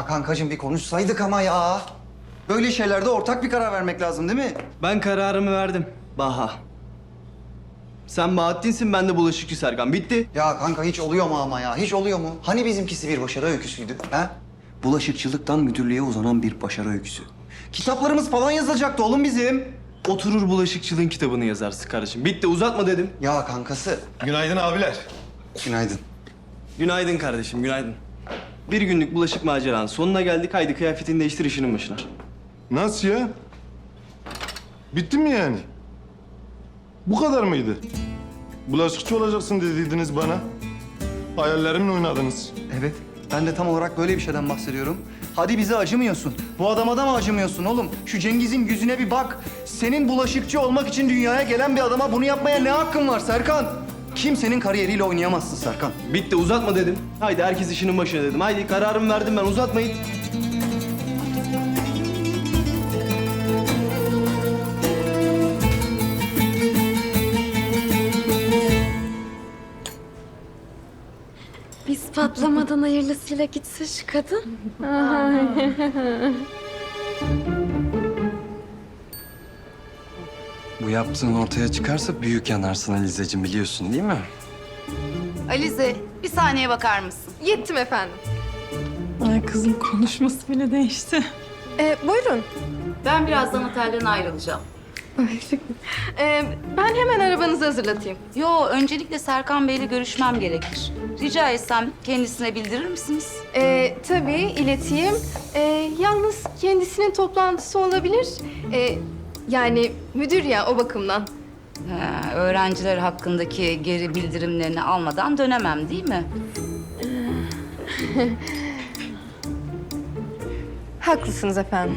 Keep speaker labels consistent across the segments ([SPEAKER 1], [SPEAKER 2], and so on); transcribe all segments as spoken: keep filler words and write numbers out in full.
[SPEAKER 1] Ya kankacığım bir konuşsaydık ama ya. Böyle şeylerde ortak bir karar vermek lazım değil mi?
[SPEAKER 2] Ben kararımı verdim. Baha. Sen Bahattin'sin, ben de bulaşıkçı Serkan. Bitti.
[SPEAKER 1] Ya kanka hiç oluyor mu ama ya? Hiç oluyor mu? Hani bizimkisi bir başarı öyküsüydü ha? Bulaşıkçılıktan müdürlüğe uzanan bir başarı öyküsü. Kitaplarımız falan yazılacaktı oğlum bizim.
[SPEAKER 2] Oturur bulaşıkçılığın kitabını yazarsın kardeşim. Bitti, uzatma dedim.
[SPEAKER 1] Ya kankası.
[SPEAKER 3] Günaydın abiler.
[SPEAKER 1] Günaydın.
[SPEAKER 2] Günaydın kardeşim, günaydın. Bir günlük bulaşık maceranın sonuna geldik. Haydi kıyafetini değiştir, işinin başına.
[SPEAKER 3] Nasıl ya? Bitti mi yani? Bu kadar mıydı? Bulaşıkçı olacaksın dediydiniz bana. Hayallerimle oynadınız.
[SPEAKER 1] Evet. Ben de tam olarak böyle bir şeyden bahsediyorum. Hadi bize acımıyorsun. Bu adama da mı acımıyorsun oğlum? Şu Cengiz'in yüzüne bir bak. Senin bulaşıkçı olmak için dünyaya gelen bir adama bunu yapmaya ne hakkın var Serkan? Kimsenin kariyeriyle oynayamazsın Serkan.
[SPEAKER 2] Bitti, uzatma dedim. Haydi herkes işinin başına dedim. Haydi kararımı verdim ben, uzatmayın.
[SPEAKER 4] Biz patlamadan hayırlısıyla gitse şu kadın.
[SPEAKER 5] Bu yaptığın ortaya çıkarsa büyük yanarsın Alizeciğim, biliyorsun değil mi?
[SPEAKER 6] Alize, bir saniye bakar mısın?
[SPEAKER 4] Yettim efendim.
[SPEAKER 7] Ay kızım konuşması bile değişti.
[SPEAKER 4] Ee, buyurun.
[SPEAKER 6] Ben birazdan otelden ayrılacağım.
[SPEAKER 4] Ee, ben hemen arabanızı hazırlatayım.
[SPEAKER 6] Yo, öncelikle Serkan Bey'le görüşmem gerekir. Rica etsem kendisine bildirir misiniz?
[SPEAKER 4] Ee, tabii ileteyim. Ee, yalnız kendisinin toplantısı olabilir. Ee, yani müdür ya o bakımdan.
[SPEAKER 6] Ha, öğrenciler hakkındaki geri bildirimlerini almadan dönemem değil mi?
[SPEAKER 4] Haklısınız efendim.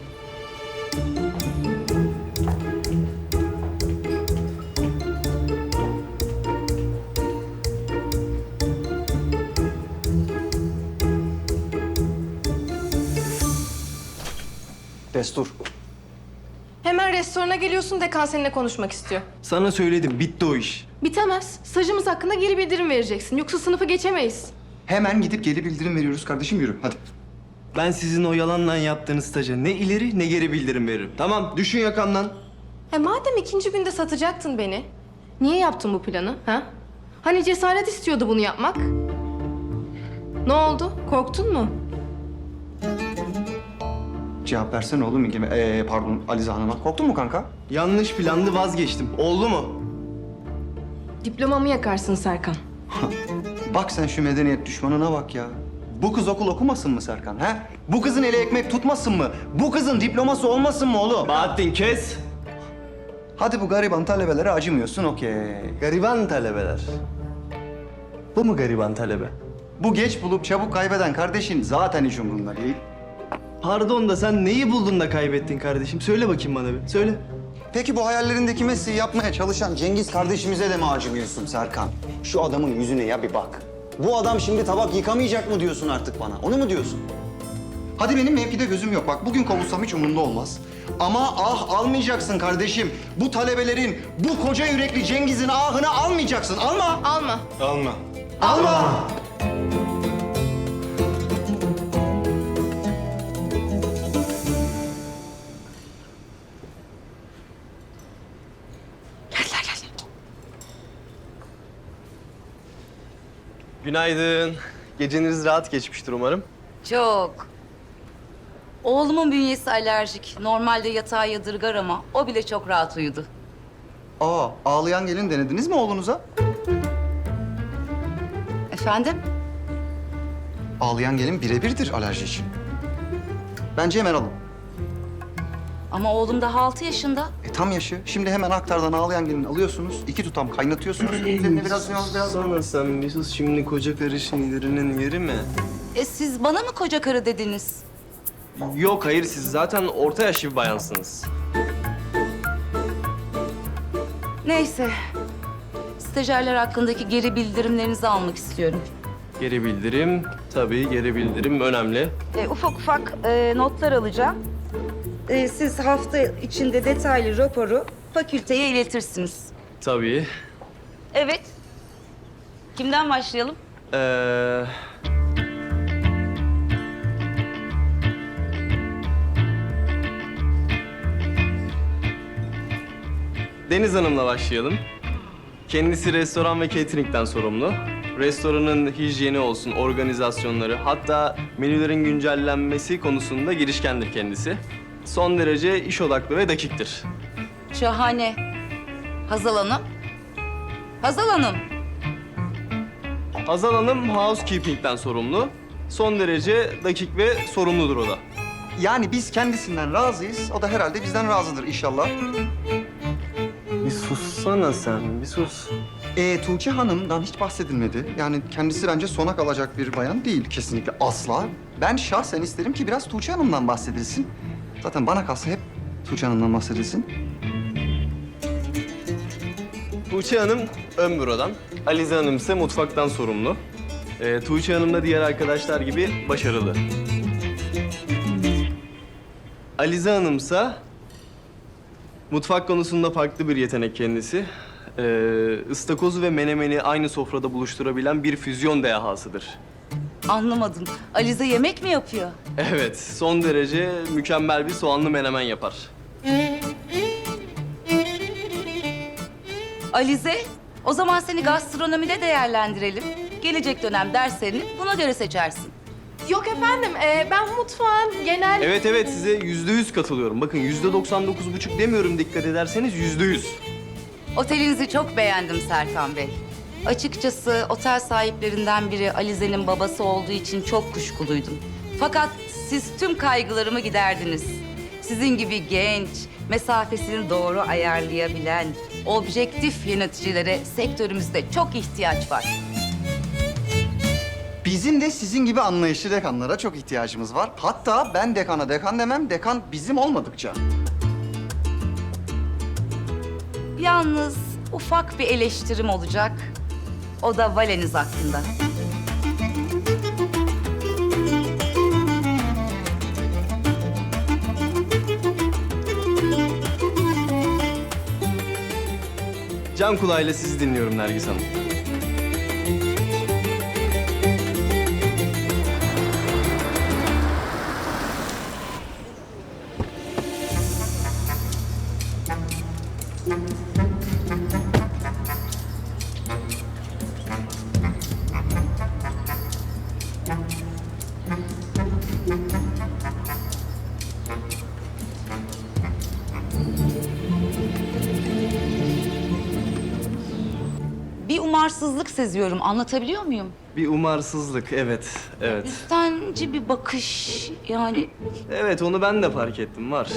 [SPEAKER 1] Destur.
[SPEAKER 4] Hemen restorana geliyorsun, dekan seninle konuşmak istiyor.
[SPEAKER 2] Sana söyledim, bitti o iş.
[SPEAKER 4] Bitemez. Stajımız hakkında geri bildirim vereceksin. Yoksa sınıfı geçemeyiz.
[SPEAKER 1] Hemen gidip geri bildirim veriyoruz kardeşim, yürü hadi.
[SPEAKER 2] Ben sizin o yalanla yaptığınız staja ne ileri ne geri bildirim veririm. Tamam, düşün yakamdan.
[SPEAKER 4] E madem ikinci günde satacaktın beni, niye yaptın bu planı, ha? Hani cesaret istiyordu bunu yapmak? Ne oldu? Korktun mu?
[SPEAKER 1] Cevap versene oğlum. Ee, pardon Alize Hanım'a. Korktun mu kanka?
[SPEAKER 2] Yanlış plandı, vazgeçtim. Oldu mu?
[SPEAKER 4] Diplomamı yakarsın Serkan.
[SPEAKER 1] Bak sen şu medeniyet düşmanına bak ya. Bu kız okul okumasın mı Serkan, ha? Bu kızın eli ekmek tutmasın mı? Bu kızın diploması olmasın mı oğlum?
[SPEAKER 2] Bahattin kes.
[SPEAKER 1] Hadi bu gariban talebelere acımıyorsun, okey.
[SPEAKER 2] Gariban talebeler. Bu mu gariban talebe?
[SPEAKER 1] Bu geç bulup çabuk kaybeden kardeşin zaten hiç umurunda değil.
[SPEAKER 2] Pardon da sen neyi buldun da kaybettin kardeşim? Söyle bakayım bana bir, söyle.
[SPEAKER 1] Peki bu hayallerindeki mesleği yapmaya çalışan Cengiz kardeşimize de mi acımıyorsun Serkan? Şu adamın yüzüne ya bir bak. Bu adam şimdi tabak yıkamayacak mı diyorsun artık bana? Onu mu diyorsun? Hadi benim mevkide gözüm yok. Bak bugün kovulsam hiç umurumda olmaz. Ama ah almayacaksın kardeşim. Bu talebelerin, bu koca yürekli Cengiz'in ahını almayacaksın. Alma.
[SPEAKER 4] Alma.
[SPEAKER 3] Alma.
[SPEAKER 1] Alma.
[SPEAKER 2] Günaydın. Geceniz rahat geçmiştir umarım.
[SPEAKER 6] Çok. Oğlumun bünyesi alerjik. Normalde yatağa yadırgar ama o bile çok rahat uyudu.
[SPEAKER 1] Aa, ağlayan gelin denediniz mi oğlunuza?
[SPEAKER 6] Efendim?
[SPEAKER 1] Ağlayan gelin birebirdir alerji için. Bence hemen alın.
[SPEAKER 6] Ama oğlum daha altı yaşında.
[SPEAKER 1] E, tam yaşı. Şimdi hemen aktardan ağlayan gelin alıyorsunuz. İki tutam kaynatıyorsunuz. Üzerine biraz biraz biraz.
[SPEAKER 2] Sana sen bir sus, şimdi koca karı sinirlerinin yeri mi?
[SPEAKER 6] E siz bana mı koca karı dediniz?
[SPEAKER 2] Yok hayır, siz zaten orta yaşlı bir bayansınız.
[SPEAKER 6] Neyse. Stajyerler hakkındaki geri bildirimlerinizi almak istiyorum.
[SPEAKER 2] Geri bildirim, tabii geri bildirim önemli.
[SPEAKER 6] E, ufak ufak e, notlar alacağım. E, siz hafta içinde detaylı raporu fakülteye iletirsiniz.
[SPEAKER 2] Tabii.
[SPEAKER 6] Evet. Kimden başlayalım?
[SPEAKER 2] Ee, Deniz Hanım'la başlayalım. Kendisi restoran ve catering'den sorumlu. Restoranın hijyeni olsun, organizasyonları, hatta menülerin güncellenmesi konusunda girişkendir kendisi. Son derece iş odaklı ve dakiktir.
[SPEAKER 6] Şahane. Hazal Hanım? Hazal Hanım.
[SPEAKER 2] Hazal Hanım housekeeping'den sorumlu. Son derece dakik ve sorumludur o da.
[SPEAKER 1] Yani biz kendisinden razıyız. O da herhalde bizden razıdır inşallah.
[SPEAKER 2] Bir sussana sen, bir sus.
[SPEAKER 1] Ee, Tuğçe Hanım'dan hiç bahsedilmedi. Yani kendisi bence sona kalacak bir bayan değil kesinlikle asla. Ben şahsen isterim ki biraz Tuğçe Hanım'dan bahsedilsin. Zaten bana kalsa hep Tuğçe Hanım'dan bahsedilsin.
[SPEAKER 2] Tuğçe Hanım ön bürodan, Alize Hanım ise mutfaktan sorumlu. Ee, Tuğçe Hanım da diğer arkadaşlar gibi başarılı. Alize Hanım ise mutfak konusunda farklı bir yetenek kendisi. Ee, ıstakozu ve menemeni aynı sofrada buluşturabilen bir füzyon dehasıdır.
[SPEAKER 6] Anlamadım. Alize yemek mi yapıyor?
[SPEAKER 2] Evet, son derece mükemmel bir soğanlı menemen yapar.
[SPEAKER 6] Alize, o zaman seni gastronomide değerlendirelim. Gelecek dönem derslerini buna göre seçersin.
[SPEAKER 4] Yok efendim, e, ben mutfağın genel...
[SPEAKER 2] Evet evet, size yüzde yüz katılıyorum. Bakın yüzde doksan dokuz buçuk demiyorum, dikkat ederseniz yüzde yüz.
[SPEAKER 6] Otelinizi çok beğendim Serkan Bey. Açıkçası otel sahiplerinden biri Alize'nin babası olduğu için çok kuşkuluydum. Fakat siz tüm kaygılarımı giderdiniz. Sizin gibi genç, mesafesini doğru ayarlayabilen, objektif yöneticilere sektörümüzde çok ihtiyaç var.
[SPEAKER 1] Bizim de sizin gibi anlayışlı dekanlara çok ihtiyacımız var. Hatta ben dekana dekan demem, dekan bizim olmadıkça.
[SPEAKER 6] Yalnız ufak bir eleştirim olacak. O da valeniz hakkında.
[SPEAKER 2] Can kulağıyla sizi dinliyorum Nergis Hanım.
[SPEAKER 6] Bir umarsızlık seziyorum. Anlatabiliyor muyum?
[SPEAKER 2] Bir umarsızlık, evet, evet.
[SPEAKER 6] Üstenci bir bakış yani.
[SPEAKER 2] Evet, onu ben de fark ettim, var.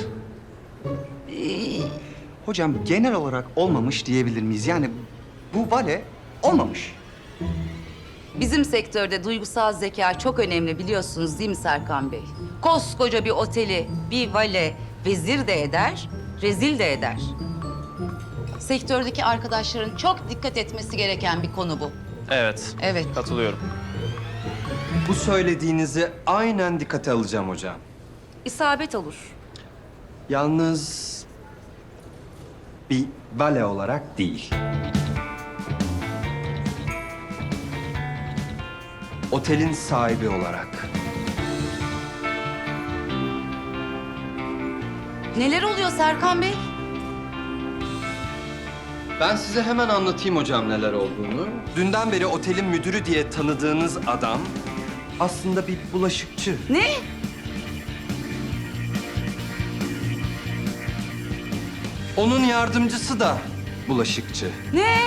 [SPEAKER 1] Hocam genel olarak olmamış diyebilir miyiz? Yani bu vale olmamış.
[SPEAKER 6] Bizim sektörde duygusal zeka çok önemli biliyorsunuz değil mi Serkan Bey? Koskoca bir oteli bir vale vezir de eder, rezil de eder. Sektördeki arkadaşların çok dikkat etmesi gereken bir konu bu.
[SPEAKER 2] Evet,
[SPEAKER 6] Evet.
[SPEAKER 2] katılıyorum.
[SPEAKER 5] Bu söylediğinizi aynen dikkate alacağım hocam.
[SPEAKER 6] İsabet olur.
[SPEAKER 5] Yalnız bir bale olarak değil. Otelin sahibi olarak.
[SPEAKER 6] Neler oluyor Serkan Bey?
[SPEAKER 5] Ben size hemen anlatayım hocam neler olduğunu. Dünden beri otelin müdürü diye tanıdığınız adam aslında bir bulaşıkçı.
[SPEAKER 6] Ne?
[SPEAKER 5] Onun yardımcısı da bulaşıkçı.
[SPEAKER 6] Ne?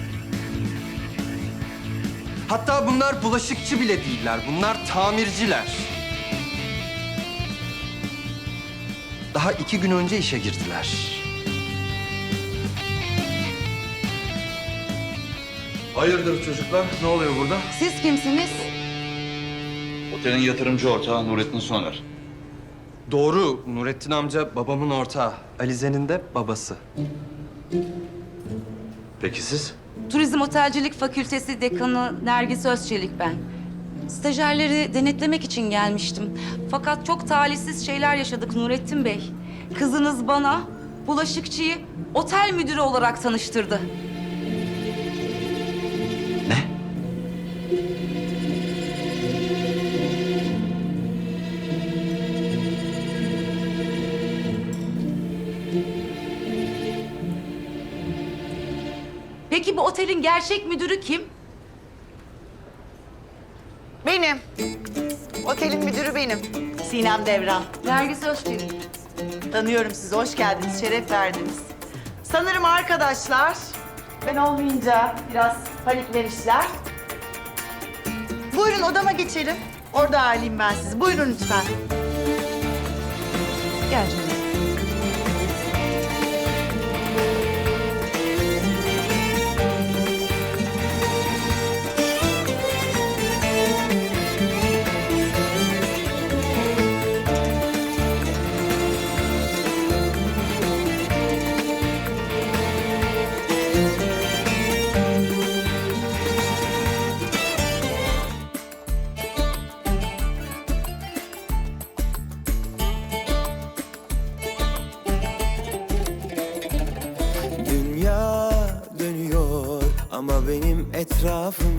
[SPEAKER 5] Hatta bunlar bulaşıkçı bile değiller. Bunlar tamirciler. Daha iki gün önce işe girdiler.
[SPEAKER 8] Hayırdır çocuklar? Ne oluyor burada?
[SPEAKER 6] Siz kimsiniz?
[SPEAKER 8] Otelin yatırımcı ortağı Nurettin Soner.
[SPEAKER 5] Doğru. Nurettin amca babamın ortağı. Alize'nin de babası.
[SPEAKER 8] Peki siz?
[SPEAKER 6] Turizm Otelcilik Fakültesi Dekanı Nergis Özçelik ben. Stajyerleri denetlemek için gelmiştim. Fakat çok talihsiz şeyler yaşadık Nurettin Bey. Kızınız bana bulaşıkçıyı otel müdürü olarak tanıştırdı. Peki bu otelin gerçek müdürü kim?
[SPEAKER 9] Benim. Otelin müdürü benim. Sinem Devran.
[SPEAKER 6] Nergis Özçelik.
[SPEAKER 9] Tanıyorum sizi. Hoş geldiniz. Şeref verdiniz. Sanırım arkadaşlar ben olmayınca biraz paniklemişler. Buyurun odama geçelim. Orada ağırlayayım ben sizi. Buyurun lütfen. Gel canım.
[SPEAKER 10] Dünya dönüyor ama benim etrafım